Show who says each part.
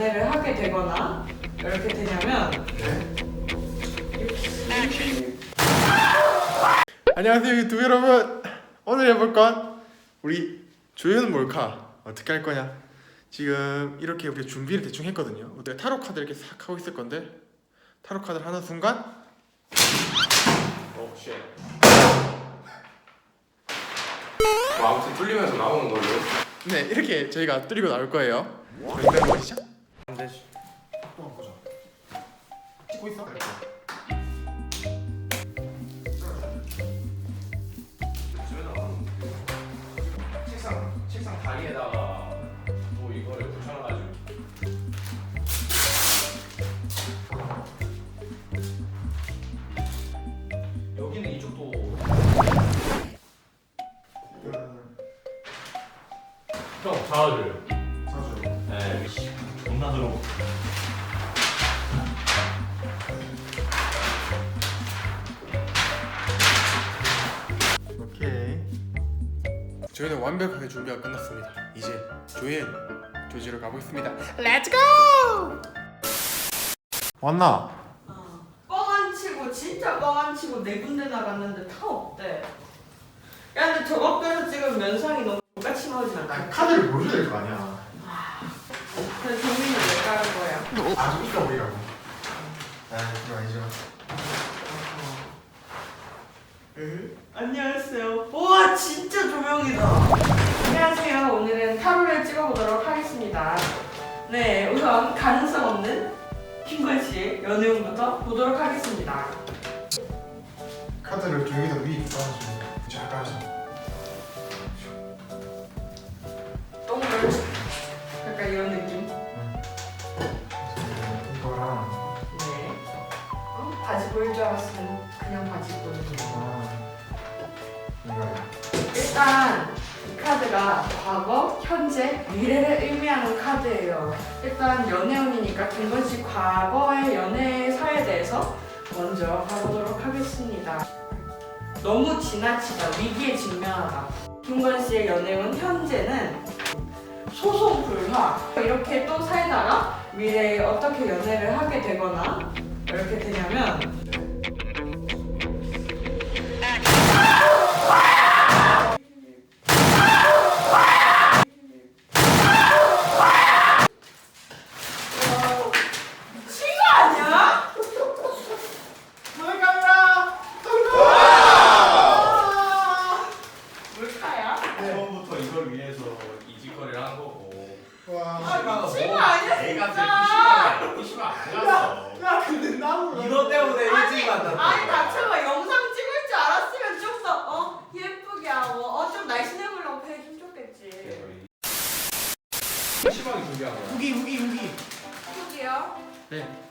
Speaker 1: 연애를 하게 되거나 이렇게 되냐면
Speaker 2: 안녕하세요 유튜브 여러분. 오늘 해볼 건 우리 조연 몰카 어떻게 할 거냐. 지금 이렇게 우리 준비를 대충 했거든요. 내가 타로 카드 이렇게 싹 하고 있을 건데 타로 카드를 하는 순간 오 쉣.
Speaker 3: 뭐 아무튼 뚫리면서 나오는 걸로.
Speaker 2: 네 이렇게 저희가 뚫리고 나올 거예요. 일단 보시죠.
Speaker 3: 안 되지.
Speaker 2: 또 한번 보자. 찍고 있어?
Speaker 3: 책상 다리에다가 또 이거를 붙여놔가지고. 여기는 이쪽도. 형 잡아줘요.
Speaker 2: 사줘.
Speaker 3: 네. 존나 들어.
Speaker 2: 오케이. 저희는 완벽하게 준비가 끝났습니다. 이제 조연 조지로 가보겠습니다. 렛츠고! 왔나?
Speaker 1: 뻥안 치고 진짜 뻥안 치고 네 군데 나갔는데 다 없대. 야 근데 저것에서 지금 면상이 너무 똑같이 나오진 않아.
Speaker 2: 카드를 보여줘야 될 거 아니야.
Speaker 1: 그래서 정민이 왜 까는 거야?
Speaker 2: 아주 이까 보이라고. 아 그거 아니죠.
Speaker 1: 안녕하세요. 우와 진짜 조명이다. 안녕하세요. 오늘은 타로를 찍어보도록 하겠습니다. 네 우선 가능성 없는 김건 씨의 연애운부터 보도록 하겠습니다.
Speaker 2: 카드를 좀 여기다 위에 깔아주면 잘 깔아줘.
Speaker 1: 동글 약간 이런 느낌.
Speaker 2: 이거랑
Speaker 1: 네. 바지 보일 줄 알았으면 그냥 바지 보여줘.
Speaker 2: 이거야.
Speaker 1: 일단 이 카드가 과거, 현재, 미래를 의미하는 카드예요. 일단 연애운이니까 김건 씨 과거의 연애사에 대해서 먼저 가보도록 하겠습니다. 너무 지나치다, 위기에 직면하다. 김건 씨의 연애운 현재는 소송 불화. 이렇게 또 살다가 미래에 어떻게 연애를 하게 되거나 이렇게 되냐면
Speaker 3: 처음부터 이걸 위해서 이 짓거리를 한 거고.
Speaker 2: 와.
Speaker 1: 미친 거 아니야,
Speaker 3: 애가
Speaker 1: 진짜.
Speaker 3: PC방 안 갔어.
Speaker 2: 야 근데 나무.
Speaker 3: 이것 때문에 일찍 만났다.
Speaker 1: 아니 다쳐봐 영상 찍을 줄 알았으면 좀 더 예쁘게 하고 좀 날씬해보려고 해좀 좋겠지.
Speaker 3: PC방이 준비한 거야.
Speaker 2: 후기.
Speaker 1: 예쁘게요?
Speaker 2: 네.